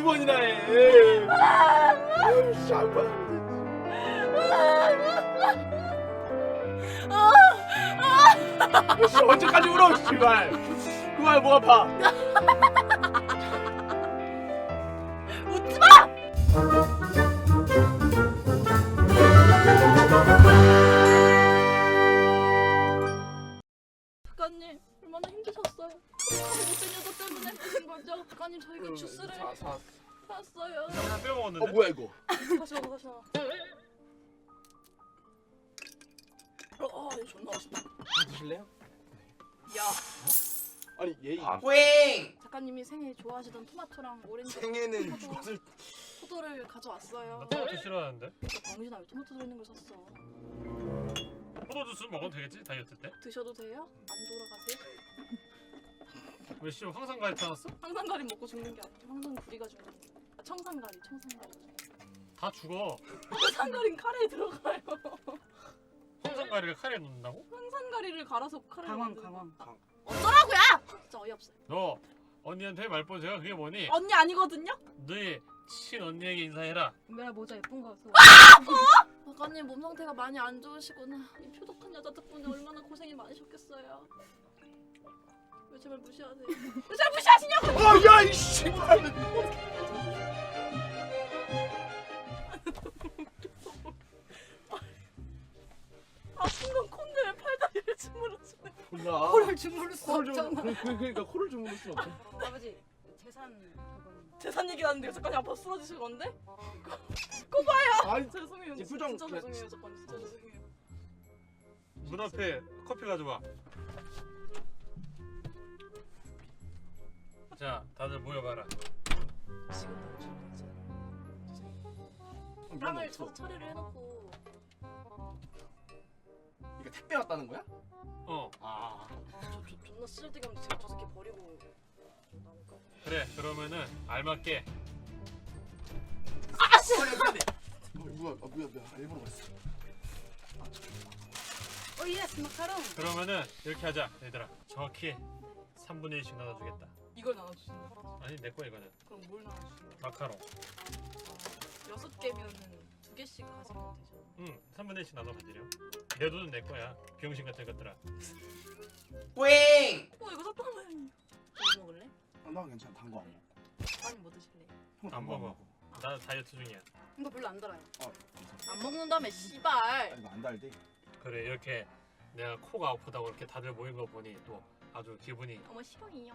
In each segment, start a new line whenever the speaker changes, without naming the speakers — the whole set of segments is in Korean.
번이나 해. 쌍방. 언제까지 울어, 씨발. 그만 목 아파.
웃지 마! 작가님 얼마나 힘드셨어요? 못된 여자 때문에 그러신 거죠? 작가님 저희가 주스를 샀어요.
다 빼먹었는데?
뭐야 이거?
다시 먹어. 이거 존나 맛있다.
드실래요?
야,
아니 얘
뿌잉!
작가님이 생일 좋아하시던 토마토랑 오렌지
생애는
포도를 가져왔어요.
나 토마토 싫어하는데?
병신아 왜 토마토 들어있는 걸 샀어?
포도 주스 먹어도 되겠지? 다이어트 때?
드셔도 돼요? 안 돌아가세요?
왜 씨 황산가리 타놨어?
황산가리 먹고 죽는 게 아니라 황산구리가 죽는 게 청산가리
다 죽어.
황산가리는 카레에 들어가요.
황산가리를 카레에 넣는다고?
황산가리를 갈아서 카레에
강황
만드는
강황.
어쩌라고요! 진짜 어이없어요.
너 언니한테 말본세가 그게 뭐니?
언니 아니거든요?
너희 친언니에게 인사해라.
은별아 모자 예쁜 거 써.
작가님 몸 상태가 많이 안 좋으시구나. 이 표독한 여자 덕분에 얼마나 고생이 많으셨겠어요. 왜 제발 무시하세요? 왜 제발 무시하시냐고!
야, 이 씨발.
아픈 건 콘데 왜 팔다리를 주물러주네.
몰라.
코를 주무를 수
코를
없잖아.
그러니까 코를 주무를 수 없어.
아버지 재산 그건.
재산 얘기 하는데 작가님 아파 쓰러지실 건데? 그거 봐요!
아니,
죄송해요.
이 표정
진짜
그래.
죄송해요. 작가님 진짜 죄송해요.
문 앞에 커피 가져와. 자, 다들 모여봐라.
지금 죄송해요. 빵을 처리를 해놓고
이거 택배 왔다는 거야?
어,
아.
존나 쓸데기 없는 저 새끼 버리고 나올까?
그래. 그러면은 알맞게
아씨!
뭐야? 일부러 그랬어.
오 예스 마카롱.
그러면은 이렇게 하자, 얘들아. 정확히 3분의 1씩 나눠주겠다.
이걸 나눠주신다.
아니 내 거야 이거는.
그럼 뭘 나눠주신다?
마카롱.
6개면은 2개씩 가지면 되죠.
응, 3분의 1씩 나눠 가지렴. 내 돈은 내 거야. 병신 같은 것들아.
뿌잉!
이거 사탕을 뭐 먹을래?
나 괜찮아. 단 거 안 먹고.
아니 뭐 드실래?
형
안 먹어. 나 다이어트 중이야.
이거 별로 안 달아요.
안 먹는다며 씨발.
이거 안 달대.
그래, 이렇게 내가 코가 아프다고 이렇게 다들 모인 거 보니 또 아주 기분이
어머 싫어요.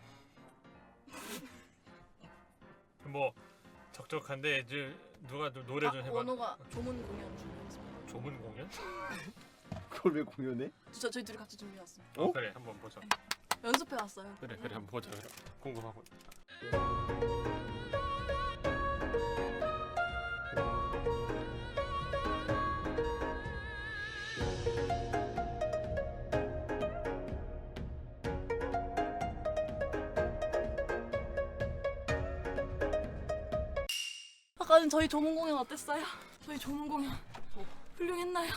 뭐 적적한데 이제 누가 좀 노래 좀 해봐.
원호가 조문 공연 준비했습니다.
조문 공연?
그걸 왜 공연해?
저희 둘이 같이 준비해왔습니다.
어? 그래, 한번 보자.
연습해왔어요.
그래, 한번 보자. 그래. 궁금하고.
아까는 저희 조문 공연 어땠어요? 저희 조문 공연 훌륭했나요?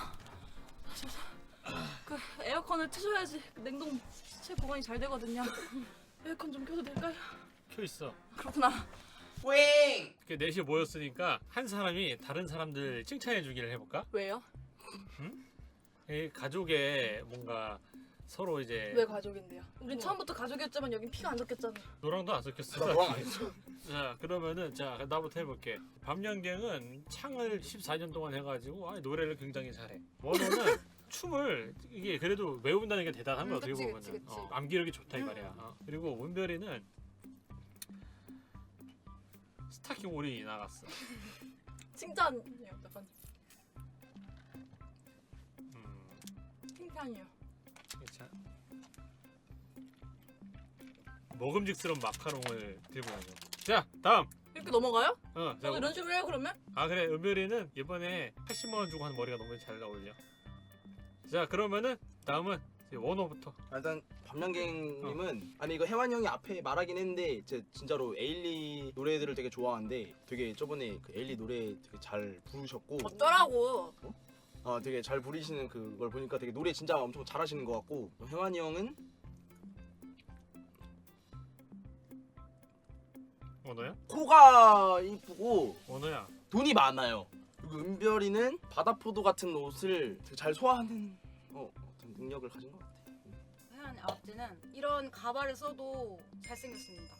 그 에어컨을 트셔야지 그 냉동 시체 보관이 잘 되거든요. 에어컨 좀 켜도 될까요?
켜 있어.
그렇구나.
뿌잉!
그 넷이 모였으니까 한 사람이 다른 사람들 칭찬해 주기를 해볼까?
왜요?
이 가족의 뭔가 서로 이제
왜 가족인데요? 우린 처음부터 가족이었지만 여긴 피가 안 섞였잖아.
너랑도 안 섞였어.
너랑 안 했어.
자, 그러면은 자 나부터 해볼게. 밤양갱은 창을 14년 동안 해가지고 노래를 굉장히 잘해. 원호는 춤을 이게 그래도 외운다는 게 대단한 거야. 어떻게
그치,
보면은
그치, 그치.
암기력이 좋다 이 말이야. 그리고 은별이는 스타킹 올인이 나갔어.
칭찬이에요. 약간 칭찬이에요.
괜찮. 먹음직스러운 마카롱을 들고 다녀. 자, 다음.
이렇게 넘어가요?
자,
이런 식으로 해요 그러면?
그래, 은별이는 이번에 80만 원 주고 한 머리가 너무 잘 어울려. 자, 그러면은 다음은 이제 원호부터.
일단 밤양갱님은 아니 이거 혜완이 형이 앞에 말하긴 했는데 제 진짜로 에일리 노래들을 되게 좋아하는데 되게 저번에 그 에일리 노래 되게 잘 부르셨고
어쩌라고?
되게 잘 부르시는 그걸 보니까 되게 노래 진짜 엄청 잘하시는 것 같고 혜완이 형은
원호야?
코가 이쁘고
원호야.
돈이 많아요. 그리고 은별이는 바다포도 같은 옷을 되게 잘 소화하는 어떤 능력을 가진 것 같아.
혜연이 아버지는 이런 가발을 써도 잘생겼습니다.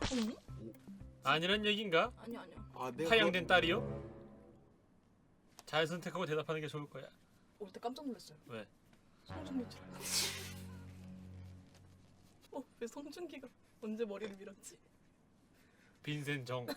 아니란 얘긴가?
아니요.
아, 내가
파양된 딸이요? 잘 선택하고 대답하는 게 좋을 거야.
올 때 깜짝 놀랐어요.
왜?
송중기 줄 알았지. 왜 송중기가 언제 머리를 밀었지?
빈센 정.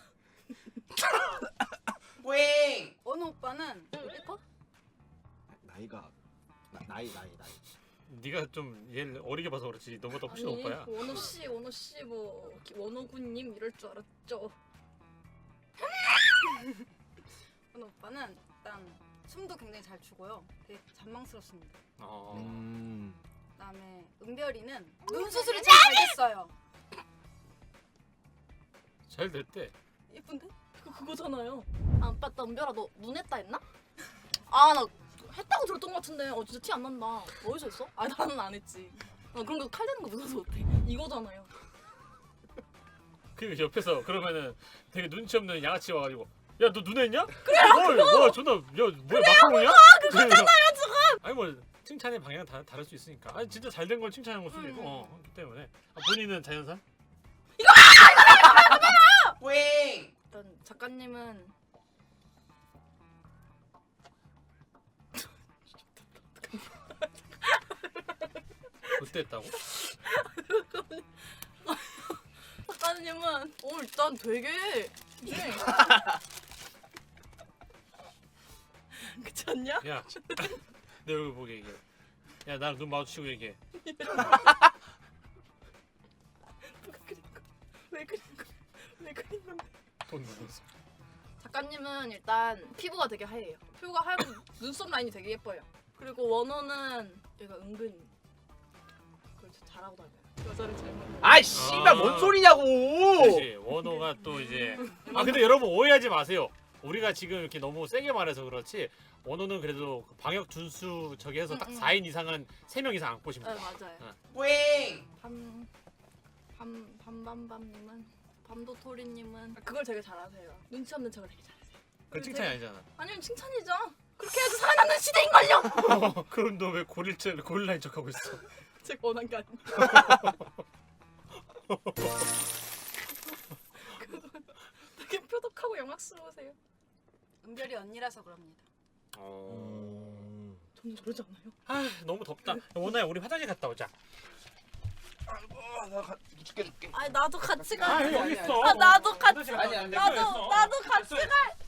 뿌잉!
원우 오빠는
예뻐?
나이가 나이.
네가 좀 얘를 어리게 봐서 그렇지. 너보다 훨씬
아니
오빠야.
원호 씨 뭐 원호군님 이럴 줄 알았죠.
원우 오빠는 일단 춤도 굉장히 잘 추고요. 되게 잔망스럽습니다. 그다음에 은별이는 눈 수술이 잘 됐어요.
잘 됐대.
예쁜데? 그거잖아요. 아 맞다 은별아 너 눈 했다 했나? 아 나 했다고 들었던 것 같은데 진짜 티 안 난다. 어디서 했어? 아 나는 안 했지. 그런 거 칼 되는 거 무서워서 못해. 이거잖아요.
그 옆에서 그러면은 되게 눈치 없는 양아치 와가지고 야 너 눈 했냐? 그래. 뭐 존나 야 뭐야 마카롱이야? 그거잖아요 지금. 아니 뭐 칭찬의 방향은 다를 수 있으니까. 아니 진짜 잘 된 걸 칭찬한 걸 수도 있고. 그렇기 때문에. 본인은 자연산?
뿌잉!
일단 작가님은
그때 했다고?
작가님은 일단 되게 그렇지 않냐?
야, 내 얼굴 보게 얘기해. 야, 나랑 눈 마주치고 얘기해.
왜 그린 건데?
돈 넣었어.
작가님은 일단 피부가 되게 하얘요. 피부가 하얗고 눈썹 라인이 되게 예뻐요. 그리고 원호는 얘가 은근히 그걸 진짜 잘하고 다녀요. 여자를 잘 만나.
아이 씨발 뭔 소리냐고!
그렇지. 원호가 또 이제 근데 여러분 오해하지 마세요. 우리가 지금 이렇게 너무 세게 말해서 그렇지. 원호는 그래도 그 방역 준수 저기 해서 딱 4인 이상은 3명 이상 안 꼬시면 돼.
맞아요.
뿌잉!
밤밤밤님은 밤도토리님은 그걸 되게 잘하세요. 눈치 없는 척을 되게 잘하세요.
그건 칭찬이 아니잖아.
아니면 칭찬이죠. 그렇게 해야지 살아남는 시대인걸요.
그럼 너 왜 고릴라인 척하고 있어?
제가 원한 게 아니에요. 되게 표독하고 영악스러우세요.
은별이 언니라서 그럽니다.
저는 저러지 않아요.
아 너무 덥다. 원호야 우리 화장실 갔다 오자.
나 죽게.
아니 나도 같이 가.
여기 있어.
나도 같이.
아니,
나도 같이 갈.